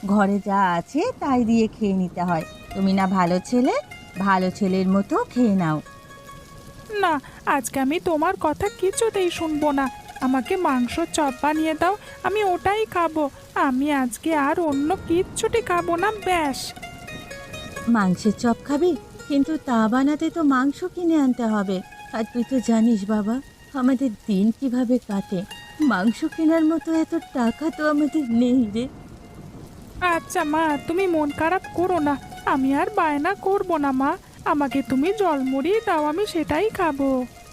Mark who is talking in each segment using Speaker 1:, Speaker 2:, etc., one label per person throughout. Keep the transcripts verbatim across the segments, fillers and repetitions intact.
Speaker 1: ঘরে যা আছে তাই দিয়ে খেয়ে নিতে হয়। তুমি না ভালো ছেলে, ভালো ছেলের মতো খেয়ে নাও।
Speaker 2: না, আজকে আমি তোমার কথা কিছুতেই শুনবো না। আমাকে মাংস চপ বানিয়ে দাও, আমি ওটাই খাবো। আমি আজকে আর অন্য কিচ্ছুটি খাবো না, ব্যাস।
Speaker 1: মাংসের চপ খাবি? কিন্তু তা বানাতে তো মাংস কিনে আনতে হবে। আর তুই তো জানিস বাবা, আমাদের দিন কিভাবে কাটে। মাংস কেনার মতো এত টাকা তো আমাদের নেই রে।
Speaker 2: আচ্ছা মা, তুমি মন খারাপ করো না। আমি আর বায়না করবো না মা। আমাকে তুমি জলমুড়ি দাও, আমি সেটাই খাবো।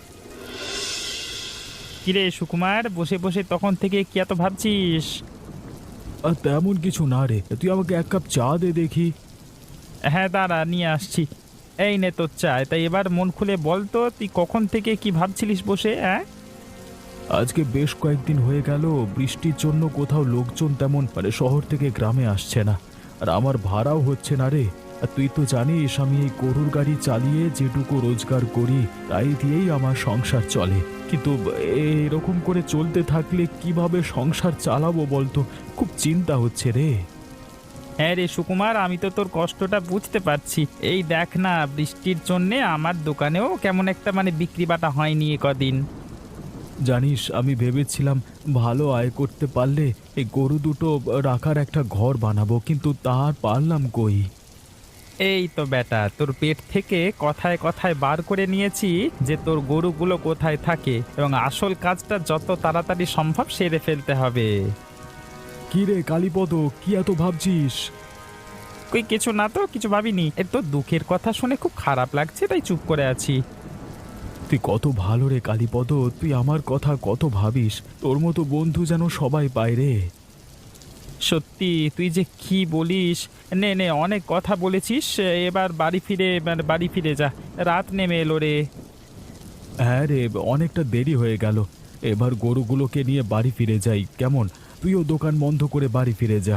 Speaker 3: কিরে সুকুমার, বসে বসে তখন থেকে কি এত ভাবছিস?
Speaker 4: আর তেমন কিছু না রে, তুই আমাকে এক কাপ চা দে দেখি।
Speaker 3: হ্যাঁ দাঁড়া, নিয়ে আসছি। এই নে তোর চা। তাই এবার মন খুলে বল তো, তুই কখন থেকে কি ভাবছিলিস বসে? হ্যাঁ,
Speaker 4: আজকে বেশ কয়েকদিন হয়ে গেল বৃষ্টির জন্য কোথাও লোকজন তেমন মানে শহর থেকে গ্রামে আসছে না, আর আমার ভাড়াও হচ্ছে না রে। আর তুই তো জানিস আমি এই গরুর গাড়ি চালিয়ে যেটুকু রোজগার করি তাই দিয়েই আমার সংসার চলে। কিন্তু এরকম করে চলতে থাকলে কিভাবে সংসার চালাবো বলতো, খুব চিন্তা হচ্ছে রে।
Speaker 3: হ্যাঁ রে সুকুমার, আমি তো তোর কষ্টটা বুঝতে পারছি। এই দেখ না, বৃষ্টির জন্যে আমার দোকানেও কেমন একটা মানে বিক্রি বাটা হয়নি এ কদিন।
Speaker 4: জানিস আমি ভেবেছিলাম ভালো আয় করতে পারলে এই গরু দুটো রাখার একটা ঘর বানাবো, কিন্তু তার পারলাম কই।
Speaker 3: এই তো বেটা, তোর পেট থেকে কথায় কথায় বার করে নিয়েছি যে তোর গরুগুলো কোথায় থাকে, এবং আসল কাজটা যত তাড়াতাড়ি সম্ভব সেরে ফেলতে হবে।
Speaker 4: কি রে কালীপদ, কি এত ভাবছিস?
Speaker 3: কই কিছু না তো, কিছু ভাবিনি। এ তো দুঃখের কথা শুনে খুব খারাপ লাগছে, তাই চুপ করে আছি।
Speaker 4: তুই কত ভালো রে কালীপদ, তুই আমার কথা কত ভাবিস। তোর মতো বন্ধু যেন সবাই পায় রে।
Speaker 3: সত্যি তুই যে কি বলিস। নে নে, অনেক কথা বলেছিস, এবার বাড়ি ফিরে মানে বাড়ি ফিরে যা, রাত নেমে এলো রে।
Speaker 4: হ্যাঁ রে, অনেকটা দেরি হয়ে গেল। এবার গরুগুলোকে নিয়ে বাড়ি ফিরে যাই কেমন? তুইও দোকান বন্ধ করে বাড়ি ফিরে যা।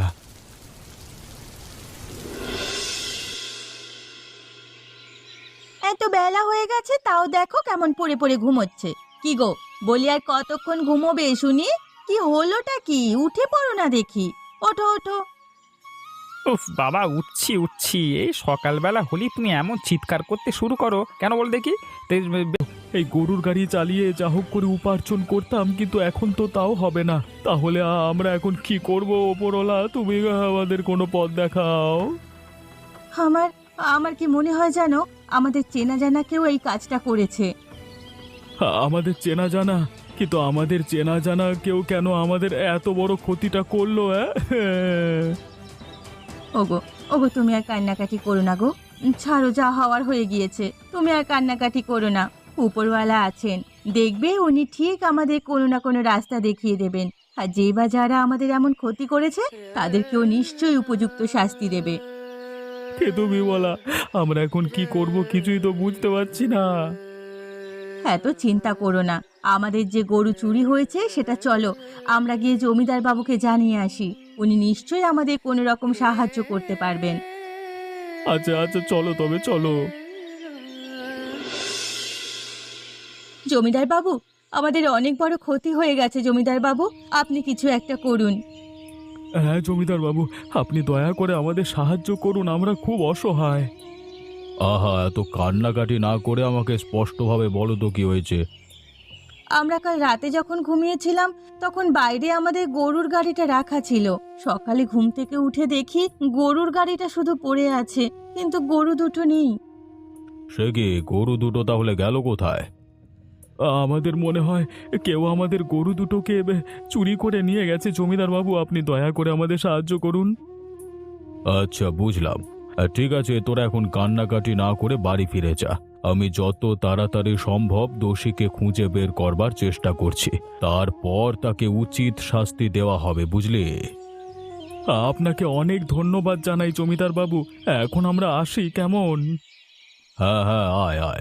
Speaker 1: এত বেলা হয়ে গেছে তাও দেখো কেমন পড়ে পড়ে ঘুমোচ্ছে। কি গো, বলি আর কতক্ষণ ঘুমোবে শুনি? কি হলোটা কি? উঠে পড়ো না দেখি। ওঠো ওঠো।
Speaker 3: উফ বাবা, উঠছি উঠছি। এই সকালবেলা হলেই তুমি এমন চিৎকার করতে শুরু করো কেন বল দেখি?
Speaker 4: এই গরুর গাড়ি চালিয়ে যা হোক করে উপার্জন করতাম, কিন্তু এখন তো তাও হবে না। তাহলে আ- আমরা এখন কি করব ওপরওয়ালা? তুমি আমাদের কোনো পথ দেখাও।
Speaker 1: আমার আমার কি মনে হয় জানো, আমাদের চেনা জানা কেউ এই কাজটা করেছে।
Speaker 4: আ- আমাদের চেনা জানা? কিন্তু আমাদের চেনা জানা কেউ কেন আমাদের এত বড় ক্ষতিটা করলো? হ্যাঁ
Speaker 1: ওগো, ওগো তুমি আর কান্নাকাটি করো না গো। উম, ছাড়ো, যা হওয়ার হয়ে গিয়েছে। তুমি আর কান্নাকাটি করো না। উপরওয়ালা আছেন, দেখবে উনি ঠিক আমাদের কোনো না কোনো রাস্তা দেখিয়ে দেবেন। আর যে বা যারা আমাদের এমন ক্ষতি করেছে তাদেরকেও নিশ্চয়ই উপযুক্ত শাস্তি দেবে।
Speaker 4: কে তুমি বলা? আমরা এখন কি করব কিছুই তো বুঝতে পারছি না।
Speaker 1: এত চিন্তা করো না। আমাদের যে গরু চুরি হয়েছে সেটা চলো আমরা গিয়ে জমিদার বাবুকে জানিয়ে আসি। উনি নিশ্চয়ই আমাদের কোনো রকম সাহায্য করতে পারবেন।
Speaker 4: আচ্ছা আচ্ছা, চলো তবে চলো।
Speaker 1: জমিদার বাবু, আমাদের অনেক বড় ক্ষতি হয়ে গেছে। জমিদার বাবু, আপনি কিছু একটা করুন।
Speaker 4: হ্যাঁ জমিদার বাবু, আপনি দয়া করে আমাদের সাহায্য করুন, আমরা খুব অসহায়। আহা, এত কান্নাকাটি না করে আমাকে স্পষ্টভাবে বলো তো কি হয়েছে।
Speaker 1: আমরা কাল রাতে যখন ঘুমিয়েছিলাম তখন বাইরে আমাদের গরুর গাড়িটা রাখা ছিল। সকালে ঘুম থেকে উঠে দেখি গরুর গাড়িটা শুধু পড়ে আছে, কিন্তু গরু দুটো নেই।
Speaker 4: সে কি, গরু দুটো তাহলে গেল কোথায়? আমাদের মনে হয় কেউ আমাদের গরু দুটোকে এ, চুরি করে নিয়ে গেছে। জমিদার বাবু, আপনি দয়া করে আমাদের সাহায্য করুন। আচ্ছা বুঝলাম। আহ, ঠিক আছে, তোরা এখন কান্নাকাটি না করে বাড়ি ফিরে যা। আমি যত তাড়াতাড়ি সম্ভব দোষীকে খুঁজে বের করবার চেষ্টা করছি, তারপর তাকে উচিত শাস্তি দেওয়া হবে, বুঝলি? আপনাকে অনেক ধন্যবাদ জানাই জমিদার বাবু। এখন আমরা আসি কেমন? হ্যাঁ হ্যাঁ, আয় আয়।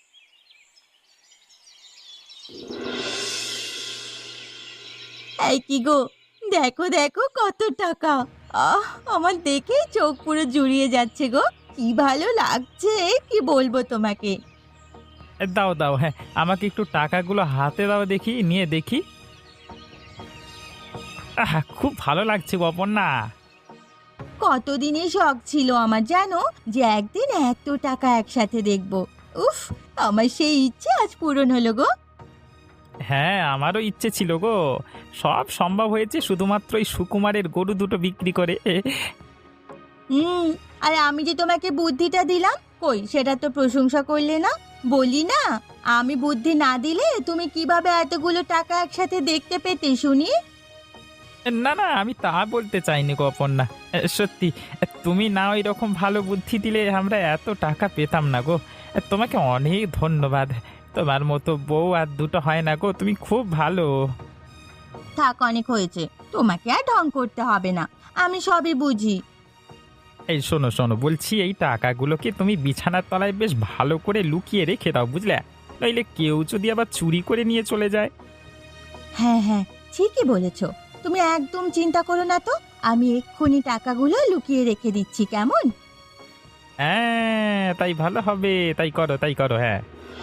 Speaker 1: এই কি গো, দেখো দেখো কত টাকা। আহ, আমার দেখেই চোখ পুরো জুড়িয়ে যাচ্ছে গো। কি ভালো লাগছে, কি বলবো তোমাকে।
Speaker 3: এ, দাও দাও, হ্যাঁ আমাকে একটু টাকাগুলো হাতে দাও দেখি, নিয়ে দেখি। আহা, খুব ভালো লাগছে গো অপর্ণা।
Speaker 1: কতদিনই শখ ছিল আমার, জানো, যে একদিন এত টাকা একসাথে দেখব। উফ, আমার সেই ইচ্ছে আজ পূরণ হলো গো।
Speaker 3: হ্যাঁ, আমারও ইচ্ছে ছিল গো। সব সম্ভব হয়েছে শুধুমাত্র এই সুকুমারের গরু দুটো বিক্রি করে।
Speaker 1: হুম, আর আমি যে তোমাকে বুদ্ধিটা দিলাম, কই সেটা তো প্রশংসা করলে না। বলি না, আমি বুদ্ধি না দিলে তুমি কিভাবে এতগুলো টাকা একসাথে দেখতে পেতে শুনি?
Speaker 3: না না, আমি তা বলতে চাইনি গো অপর্ণা। এ, সত্যি, এ, তুমি না ওই রকম ভালো বুদ্ধি দিলে আমরা এত টাকা পেতাম না গো। এ, তোমাকে অনেক ধন্যবাদ। তোমার মতো বউ আর দুটো হয় না গো, তুমি খুব ভালো।
Speaker 1: থাক, অনেক হয়েছে, তোমাকে আর ঢং করতে হবে না, আমি সবই বুঝি।
Speaker 3: এই শোনো শোনো, বলছি এই টাকাগুলোকে তুমি বিছানার তলায় বেশ ভালো করে লুকিয়ে রেখে দাও, বুঝলে? নইলে কেউ যদি আবার চুরি করে নিয়ে চলে যায়।
Speaker 1: হ্যাঁ হ্যাঁ, ঠিকই বলেছো, তুমি একদম চিন্তা করো না তো, আমি এক্ষুনি টাকাগুলো লুকিয়ে রেখে দিচ্ছি, কেমন?
Speaker 3: হ্যাঁ, তাই ভালো হবে, তাই করো তাই করো। হ্যাঁ,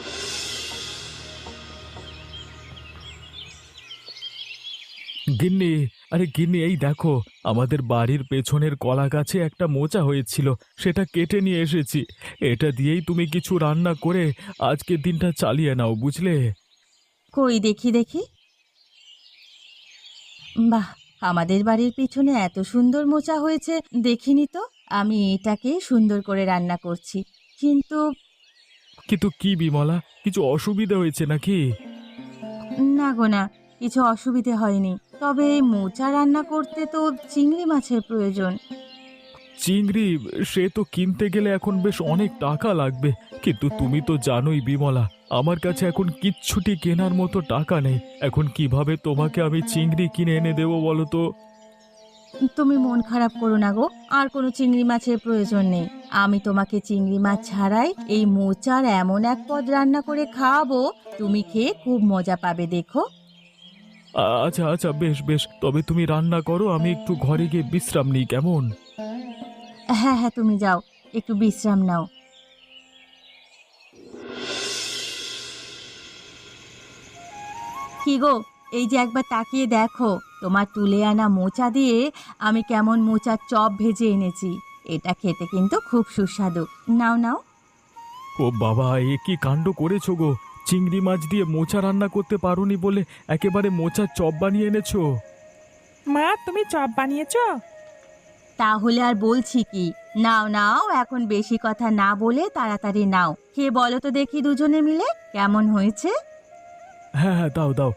Speaker 4: গিন্নি, আরে গিন্নি, এই দেখো, আমাদের বাড়ির পেছনের কলা গাছে একটা মোচা হয়েছিল, সেটা কেটে নিয়ে এসেছি। এটা দিয়েই তুমি কিছু রান্না করে আজকের দিনটা চালিয়ে নাও, বুঝলে?
Speaker 1: কই দেখি দেখি। বাহ, আমাদের বাড়ির পিছনে এত সুন্দর মোচা হয়েছে, দেখিনি তো। আমি এটাকে সুন্দর করে রান্না করছি, কিন্তু
Speaker 4: কিন্তু কি বিমলা, কিছু অসুবিধা হয়েছে নাকি?
Speaker 1: না গো না, কিছু অসুবিধে হয়নি, তবে এই মোচা রান্না করতে তো চিংড়ি মাছের প্রয়োজন।
Speaker 4: চিংড়ি? সে তো কিনতে গেলে এখন বেশ অনেক টাকা লাগবে, কিন্তু তুমি তো জানোই বিমলা, আমার কাছে এখন কিচ্ছুটি কেনার মতো টাকা নেই। এখন কিভাবে তোমাকে আমি চিংড়ি কিনে এনে দেবো বলো তো?
Speaker 1: তুমি মন খারাপ করো না গো, আর কোনো চিংড়ি মাছের প্রয়োজন নেই। আমি তোমাকে চিংড়ি মাছ ছাড়াই এই মোচার এমন এক পদ রান্না করে খাওয়াবো, তুমি খেয়ে খুব মজা পাবে, দেখো।
Speaker 4: আ- আচ্ছা আচ্ছা, বেশ বেশ, তবে তুমি রান্না করো, আমি একটু ঘরে গিয়ে বিশ্রাম নিই, কেমন?
Speaker 1: হ্যাঁ হ্যাঁ, তুমি যাও, একটু বিশ্রাম নাও। কি গো, এই যে একবার তাকিয়ে দেখো, তোমার তুলে আনা মোচা দিয়ে আমি কেমন মোচার চপ ভেজে এনেছি। এটা খেতে কিন্তু খুব সুস্বাদু, নাও নাও।
Speaker 4: ও বাবা, এ কি কাণ্ড করেছো গো! চিংড়ি মাছ দিয়ে মোচা রান্না করতে পারোনি বলে একেবারে মোচার চপ বানিয়ে এনেছো।
Speaker 2: মা, তুমি চপ বানিয়েছো?
Speaker 1: তাহলে আর বলছি কি, নাও নাও, এখন বেশি কথা না বলে তাড়াতাড়ি নাও, খেয়ে বলো তো দেখি দুজনে মিলে কেমন হয়েছে।
Speaker 4: হ্যাঁ হ্যাঁ, দাও দাও।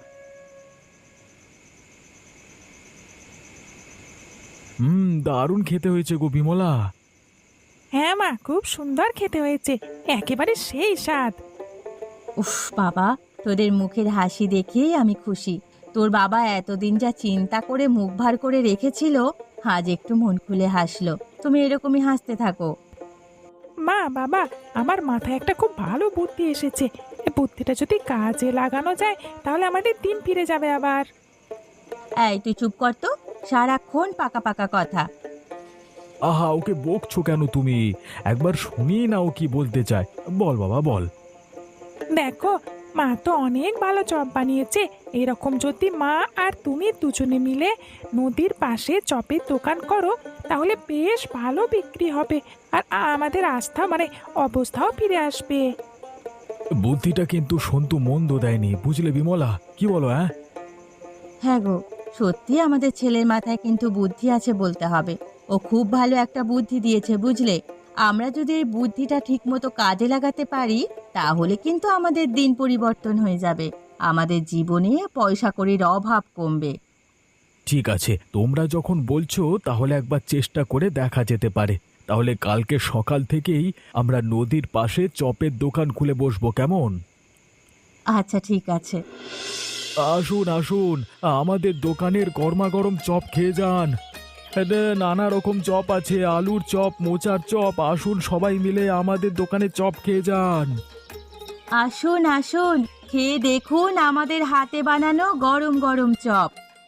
Speaker 4: হুম, দারুণ খেতে হয়েছে গো বিমলা।
Speaker 2: হ্যাঁ মা, খুব সুন্দর খেতে হয়েছে, একেবারে সেই স্বাদ।
Speaker 1: উফ বাবা, তোদের মুখের হাসি দেখেই আমি খুশি। তোর বাবা এতদিন যা চিন্তা করে মুখ ভার করে রেখেছিল, আজ একটু মন খুলে হাসলো। তুমি এরকমই হাসতে থাকো।
Speaker 2: মা, বাবা, আমার মাথায় একটা খুব ভালো বুদ্ধি এসেছে। এই বুদ্ধিটা যদি কাজে লাগানো যায় তাহলে আমাদের দিন ফিরে যাবে আবার।
Speaker 1: এই তুই চুপ কর তো, সারাক্ষণ পাকা পাকা কথা।
Speaker 4: আহা, ওকে বকছো কেন তুমি? একবার শুনিয়ে নাও কি বলতে চায়। বল বাবা, বল।
Speaker 2: দেখো, মা তো অনেক ভালো চপ বানিয়েছে। এরকম যদি মা আর তুমি দুজনে মিলে নদীর পাশে চপের দোকান করো তাহলে বেশ ভালো বিক্রি হবে, আর আমাদের আস্থা মানে অবস্থাও ফিরে আসবে।
Speaker 4: বুদ্ধিটা কিন্তু সন্তু মন্দ দেয়নি, বুঝলে বিমলা? কি বলো? হ্যাঁ
Speaker 1: হ্যাঁ গো, সত্যি আমাদের ছেলের মাথায় কিন্তু বুদ্ধি আছে বলতে হবে। ও খুব ভালো একটা বুদ্ধি দিয়েছে, বুঝলে? আমরা যদি এই বুদ্ধিটা ঠিকমতো কাজে লাগাতে পারি, তাহলে কিন্তু আমাদের দিন পরিবর্তন হয়ে যাবে, আমাদের জীবনে পয়সা কড়ির অভাব কমবে।
Speaker 4: ঠিক আছে, তোমরা যখন বলছো তাহলে একবার চেষ্টা করে দেখা যেতে পারে। তাহলে কালকে সকাল থেকেই আমরা নদীর পাশে চপের দোকান খুলে বসবো, কেমন?
Speaker 1: আচ্ছা ঠিক আছে।
Speaker 4: আসুন আসুন, আমাদের দোকানের গরমা গরম চপ খেয়ে যান। এতে নানা রকম চপ আছে, আলুর চপ, মোচার চপ। আসুন সবাই মিলে আমাদের দোকানে চপ খেয়ে যান।
Speaker 1: আসুন আসুন, খেয়ে দেখুন আমাদের হাতে বানানো গরম গরম চপ।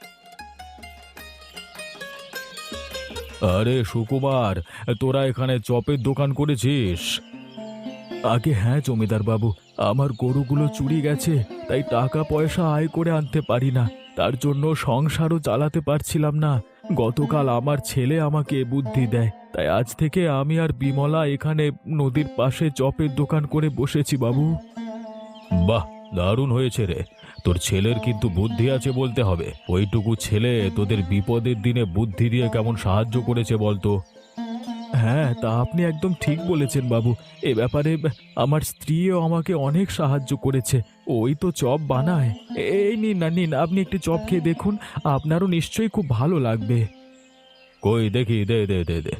Speaker 4: আরে সুকুমার, তোরা এখানে চপের দোকান করেছিস? আগে হ্যাঁ জমিদার বাবু, আমার গরুগুলো চুরি গেছে, তাই টাকা পয়সা আয় করে আনতে পারি না, তার জন্য সংসারও চালাতে পারছিলাম না। গতকাল আমার ছেলে আমাকে এ বুদ্ধি দেয়, তাই আজ থেকে আমি আর বিমলা এখানে নদীর পাশে চপের দোকান করে বসেছি বাবু। বাহ, দারুণ হয়েছে রে। তোর ছেলের কিন্তু বুদ্ধি আছে বলতে হবে। ওইটুকু ছেলে তোদের বিপদের দিনে বুদ্ধি দিয়ে কেমন সাহায্য করেছে বলতো। হ্যাঁ, তা আপনি একদম ঠিক বলেছেন বাবু। এ ব্যাপারে আমার স্ত্রীও আমাকে অনেক সাহায্য করেছে। ওই তো চপ বানায়। এই নিন না, নিন, আপনি একটু চপ খেয়ে দেখুন, আপনারও নিশ্চয়ই খুব ভালো লাগবে। কই দেখি, দে দে দে দে।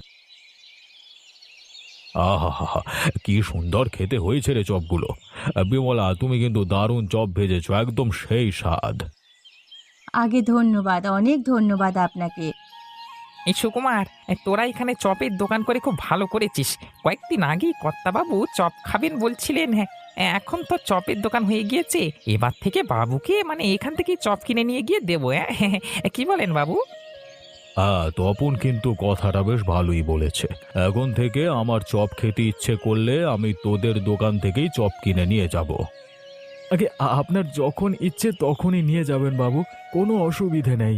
Speaker 4: আহা হা হা, কি সুন্দর খেতে হয়েছে রে চপগুলো। বিমলা, তুমি কিন্তু দারুণ চপ ভেজেছো, একদম সেই স্বাদ।
Speaker 1: আগে ধন্যবাদ, অনেক ধন্যবাদ আপনাকে।
Speaker 3: এই সুকুমার, এ, তোরা এখানে চপের দোকান করে খুব ভালো করেছিস। কয়েকদিন আগেই কর্তাবাবু চপ খাবেন বলছিলেন। হ্যাঁ, এখন তো চপের দোকান হয়ে গিয়েছে। এবার থেকে বাবুকে মানে এখান থেকেই চপ কিনে নিয়ে গিয়ে দেবো। হ্যাঁ, কি বলেন বাবু?
Speaker 4: হ্যাঁ, তপন কিন্তু কথাটা বেশ ভালোই বলেছে। এখন থেকে আমার চপ খেতে ইচ্ছে করলে আমি তোদের দোকান থেকেই চপ কিনে নিয়ে যাব। আগে আপনার যখন ইচ্ছে তখনই নিয়ে যাবেন বাবু, কোনো অসুবিধে নেই।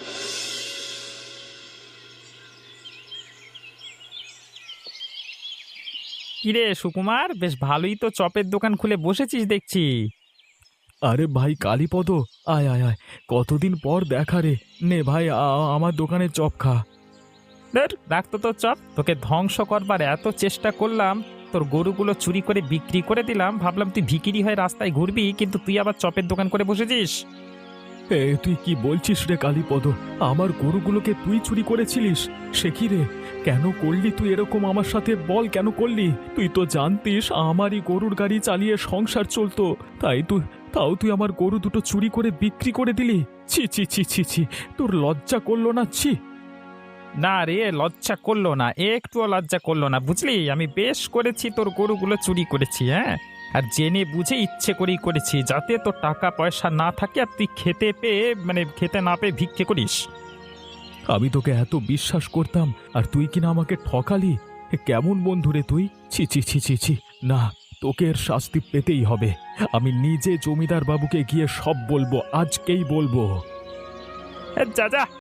Speaker 3: কিরে সুকুমার, বেশ ভালোই তো চপের দোকান খুলে বসেছিস দেখছি।
Speaker 4: আরে ভাই কালীপদ, আয় আয় আয়, কতদিন পর দেখা রে। নে ভাই, আ- আমার দোকানে চপ খা।
Speaker 3: ধুর, রাখতো তো চপ। তোকে ধ্বংস করবার এত চেষ্টা করলাম, তোর গরুগুলো চুরি করে বিক্রি করে দিলাম, ভাবলাম তুই ভিখিরি হয়ে রাস্তায় ঘুরবি, কিন্তু তুই আবার চপের দোকান করে বসেছিস।
Speaker 4: এ তুই কি বলছিস রে কালীপদ? আমার গরুগুলোকে তুই চুরি করেছিলিস? সে কি রে, কেন করলি তুই এরকম আমার সাথে? বল কেন করলি? তুই তো জানতিস আমারই গরুর গাড়ি চালিয়ে সংসার চলতো, তাই তুই তাও তুই আমার গরু দুটো চুরি করে বিক্রি করে দিলি। ছি ছি ছি ছি ছি, তোর লজ্জা করলো না? ছি।
Speaker 3: না রে, লজ্জা করলো না, একটুও লজ্জা করলো না, বুঝলি? আমি বেশ করেছি, তোর গরুগুলো চুরি করেছি। হ্যাঁ, আর জেনে বুঝে ইচ্ছে করেই করেছি, যাতে তোর টাকা পয়সা না থাকে আর তুই খেতে পেয়ে মানে খেতে না পেয়ে ভিক্ষে করিস।
Speaker 4: আমি তোকে এত বিশ্বাস করতাম, আর তুই কিনা আমাকে ঠকালি। এ কেমন বন্ধু রে তুই? ছি ছি ছি ছি ছি, না, তোকে এর শাস্তি পেতেই হবে। আমি নিজে জমিদার বাবুকে গিয়ে সব বলবো, আজকেই বলবো।
Speaker 3: এ, যা যা,